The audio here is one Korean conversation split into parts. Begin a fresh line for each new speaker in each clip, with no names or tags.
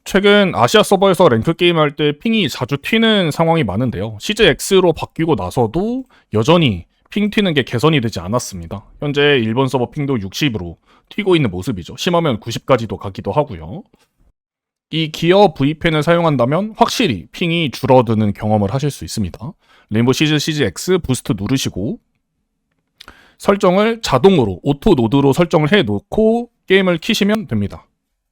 최근 아시아 서버에서 랭크 게임할 때 핑이 자주 튀는 상황이 많은데요. CJX로 바뀌고 나서도 여전히 핑 튀는 게 개선이 되지 않았습니다. 현재 일본 서버 핑도 60으로 튀고 있는 모습이죠. 심하면 90까지도 가기도 하고요. 이 기어 V펜을 사용한다면 확실히 핑이 줄어드는 경험을 하실 수 있습니다. 레인보우 시즈 CJX 부스트 누르시고 설정을 자동으로 오토 노드로 설정을 해놓고 게임을 키시면 됩니다.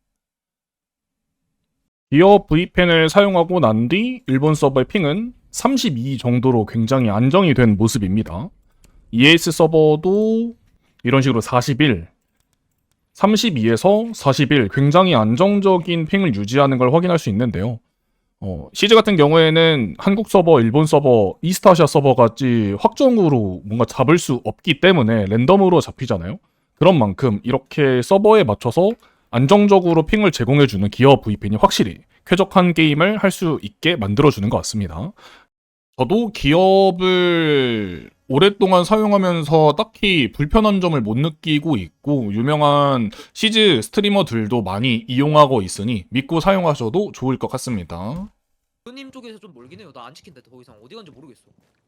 기어 V펜을 사용하고 난 뒤 일본 서버의 핑은 32 정도로 굉장히 안정이 된 모습입니다. EAS 서버도 이런 식으로 41, 32에서 41 굉장히 안정적인 핑을 유지하는 걸 확인할 수 있는데요. 시즈 같은 경우에는 한국 서버, 일본 서버, 이스트아시아 서버 같이 확정으로 뭔가 잡을 수 없기 때문에 랜덤으로 잡히잖아요. 그런 만큼 이렇게 서버에 맞춰서 안정적으로 핑을 제공해주는 기어 V펜이 확실히 쾌적한 게임을 할 수 있게 만들어주는 것 같습니다. 저도 기업을 오랫동안 사용하면서 딱히 불편한 점을 못 느끼고 있고 유명한 시즈 스트리머들도 많이 이용하고 있으니 믿고 사용하셔도 좋을 것 같습니다.
님 쪽에서 좀 멀긴 해요. 나 안 지킨다. 더 이상 어디 간지 모르겠어.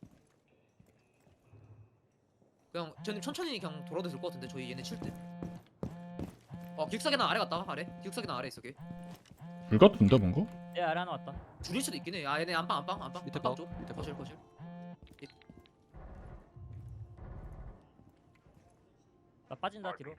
그냥 저님 천천히 그냥 돌아도 될 것 같은데 저희 얘네 칠 때. 기숙사 계단 아래 갔다 아래. 기숙사 계단 아래 있어 걔.
불 같은데 뭔가?
얘 아래 하나 왔다.
줄일 수도 있긴 해. 얘네 안방
밑에
안방
방,
쪽.
밑에 방.
거실.
나 빠진다 뒤로.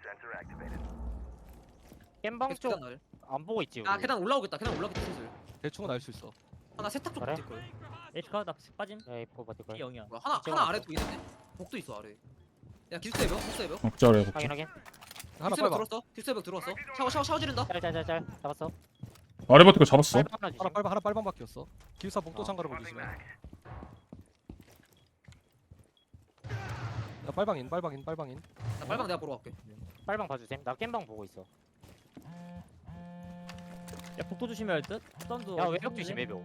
겜방
계속
쪽
계단 아래.
안 보고 있지 우리.
계단 올라오겠다. 계단 올라오겠다 슬슬.
대충은 알 수 있어.
하나 세탁 쪽
그래?
붙을 거야.
에이프가 나 빠짐.
에이포 버틸 걸.
이 영이야.
뭐야, 하나
찍어놨어.
아래 또 있는데. 복도 있어 아래. 야 기숙사 해봐. 기숙사 해봐.
억자래 볼게.
확인 확인.
하나
기숙사
빨봐.
들어왔어. 기숙사 벽 들어왔어. 샤워 지른다.
짤짤짤짤 잡았어.
아래 버티고 잡았어.
빨방 하나 주심.
하나 빨방 바뀌었어. 기숙사 복도 창가로 보시면. 야 빨방인.
나 빨방 내가 보러 갈게.
빨방 봐주셈. 나 겜방 보고 있어. 야 복도 조심해야 할 듯. 썬도. 야 외벽 조심 외벽.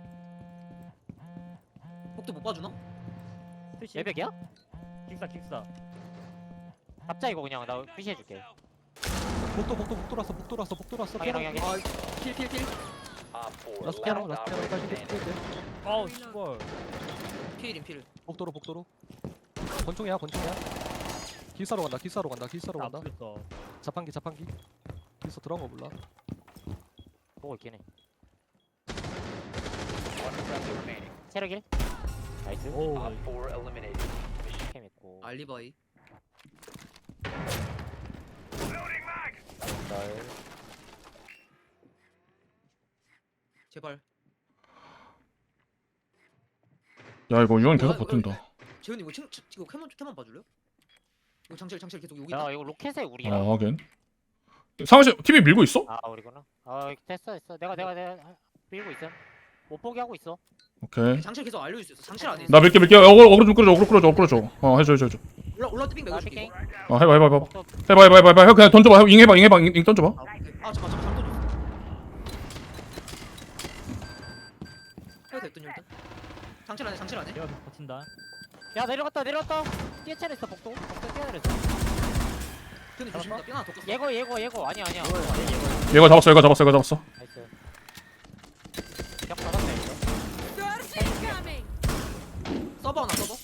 복도 못 봐주나?
외벽이야? 기숙사. 잡자 이거 그냥 나 푸시해줄게.
복도 돌았어.
확인 확인.
필.
라스트 피아노 빨리 돼.
아우 씨발.
필.
복도로. 권총이야. 기숙사로 간다.
나 아프겠어.
자판기. 기숙사 들어간 거 몰라.
보고 있긴 해. 체력일. 나이스. 오. 캠 있고.
알리바이. 제발.
야 이거 유언 계속 버틴다.
재훈이 이거 캐만 봐줄래요? 이거 장실 계속 여기
야
있다.
이거 로켓에 우리야.
아 하긴. 상하씨 TV 밀고 있어?
아 우리구나. 됐어. 내가 밀고 있어. 못 보게 하고 있어.
오케이.
장실 계속 알려줄 수 있어. 장실 안에 있어.
나 밀게. 어그로 좀 끌어줘. 해줘.
올라 띠빙
나
매겨줄게.
피킹.
이거.
해봐.
복도.
해봐. 형 그냥 던져봐. 잉 해봐. 잉 던져봐.
아 오케이. 잠깐 잠 던져. 해도 됐더니 일단. 장실 안에.
내가 계속 버틴다. 야 내려갔다. 뛰어차렸어 복도 뛰어내렸어.
재훈이 조심다. 삥 하나 더 꼈어.
예고 아니야.
얘가 잡았어.
나이스. 벽 받았네 이거.
서버 하나 서버.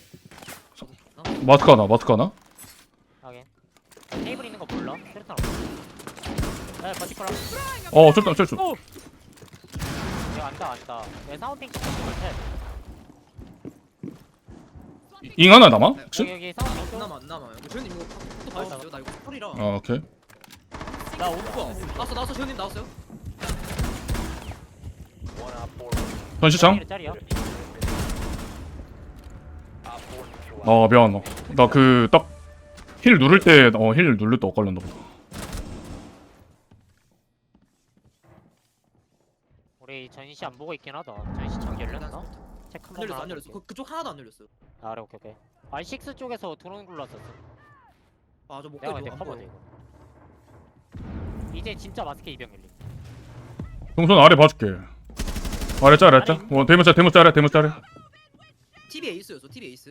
마스크 하나?
확인. 테이블 있는 거 몰라? 세르탄 없어. 야 버티커라.
쩔.
내가 안다. 내 사운딩 쪽
잉 하나 남아? 혹시?
여기 사운딩
안
쪽.
남아. 재훈님 이거 또 봐주세요. 나 이거 털이라.
아 오케이.
나 오고.
나왔어. 재훈님 나왔어요.
전시창?
짤이야.
미안. 나 그 딱 힐 누를 때 엇갈렸나 보다.
우리 전시 안 보고 있긴 하다. 전시 장 열렸나? 체크
안
한번
열렸어. 안 열렸어. 그쪽 하나도 안 열렸어.
아 그래 오케이. R6 쪽에서 드론 굴렀었어.
저
내가
목걸이
근데
안
커버돼
보여.
이거. 이제 진짜 마스크 이병 열림.
동선 아래 봐줄게. 아래 짤. 대문 짤.
TV 에이스였어. TV 에이스.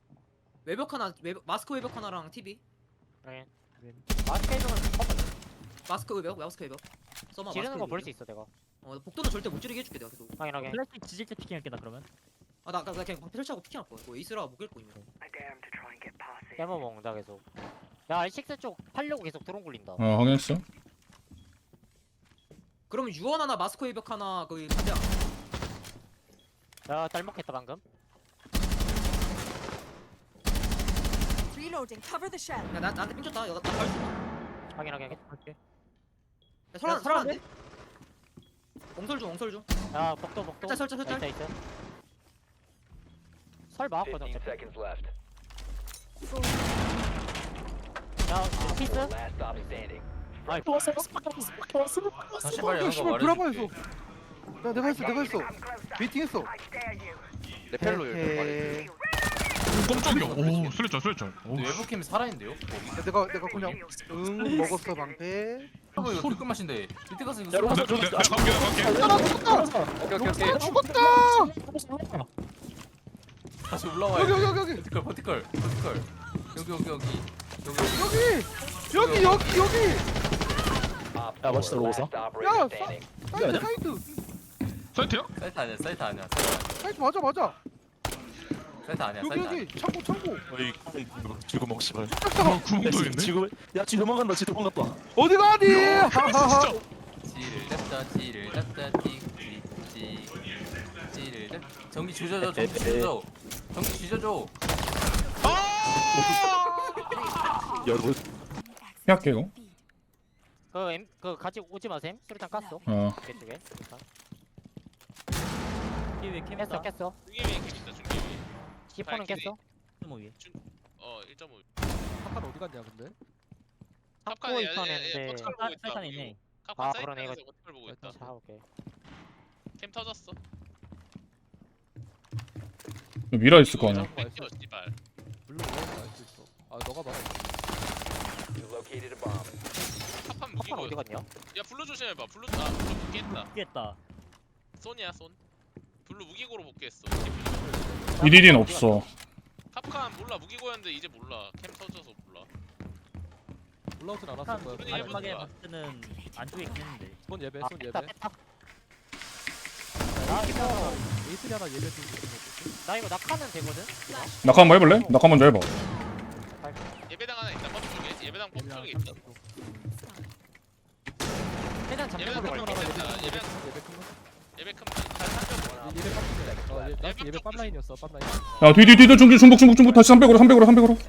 마스크 외벽 하나랑 TV.
그래. 마스크 해주면 커버.
마스크 외벽 마스크 외벽. 써마
지르는
마스크
거 볼
외벽.
수 있어 내가.
복도는 절대 못 지르게 해줄게 내가 계속.
확인하게.
플래시 지질 때 피킹할게 나 그러면.
나 그냥 방패 설치하고 피킹할 거야. 뭐 에이스라 못 깰 거임.
깨머 먹는다 계속. 야 R6 쪽 팔려고 계속 드론 굴린다.
확인했어.
그러면 유언 하나 마스크 외벽 하나 거기 반대야.
야 딸먹했다 방금.
Reloading. Cover the shell.
야 나한테 삥 줬다. 나 갈수 있나?
확인하게.
할게.
야 설아
야,
설아인데? 엉설 중.
야 복도.
설자.
있어. 설 막았거든. 어차피. 야 피스. 아이
다시 말 여는 거
씨발
말해.
브라보에서 야 내가 했어 미팅했어
레펠로 열려 말해.
깜짝이야. 오, 슬쩍.
외부캠 살아있는데요?
야, 내가 그냥 먹었어 방패
이거 소리 끝맛인데 밑에 가서 이거
야,
소리
로봇
오케이.
죽었다
다시 올라와야 돼.
여기
버티컬 여기
야 멋있다 로봇아.
야 사이트
사이트야?
사이트 아니야
사이트 맞아
사이트 아니야
여기 창고
어이 지구멍 씨발.
구멍도 있네.
지구 야지 도망간다. 지 도망갔다.
어디 가니 하하하
지를 잡자 지를 잡 전기 주저줘
여러분
할게 이거.
그 같이 오지 마셈. 수류탄 깠어. 그쪽에.
이게
깼어.
중기위 캠 있다 중기위
10호는 깼어.
1.5위.
1.5
카판 어디 갔냐 근데?
탁구 있었는데.
버티컬 보고 있다
사이탄 있네.
아,
카판
그러네,
사이트에서 버티컬 보고 있다
자 오케이.
캠 터졌어
미라 있을 거 아니야.
뺏겨 씨발
물론 뭐가 알수 있어. 아 너가 말해.
카판
탁판
무기고
어디 갔냐?
야 블루 조심해봐 블루 블루 복귀했다
피했다.
쏜이야 쏜 블루 무기고로 복귀했어
이딜은 없어.
카판 몰라 무기고였는데 이제 몰라 캠 터져서 몰라
올라오진 않았을
한
거야.
그러니
마지막에
해보자.
봤을 때는 안쪽에 있긴 했는데.
손 예배
아
손
뺐다
예배.
뺐다. 나 이거
에이스리 하나 예배 좀
나 이거 낙하면 되거든.
낙하 한번 해볼래? 낙하 먼저 해봐.
예배당 하나 있다 펌프 쪽에 예배당 펌프 쪽에 있다
최대한
예배당
잠깐만
펌프
걸게.
쪽에 있다 예배
예배 큰 거.
예배 큰잘 살펴보라
예배 ปั๊. 나 예배 ปั๊ 라인이었어 ปั๊ 라인.
야, 뒤 중복 다시 300으로.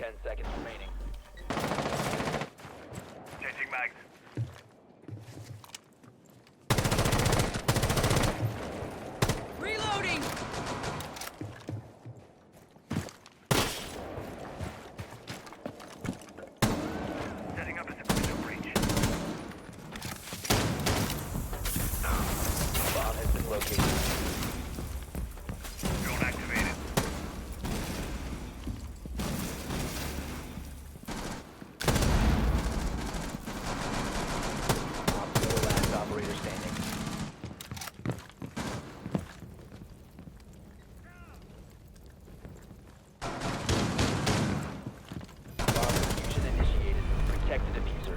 Reloading.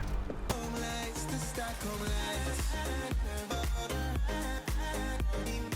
Home lights, the stock home lights.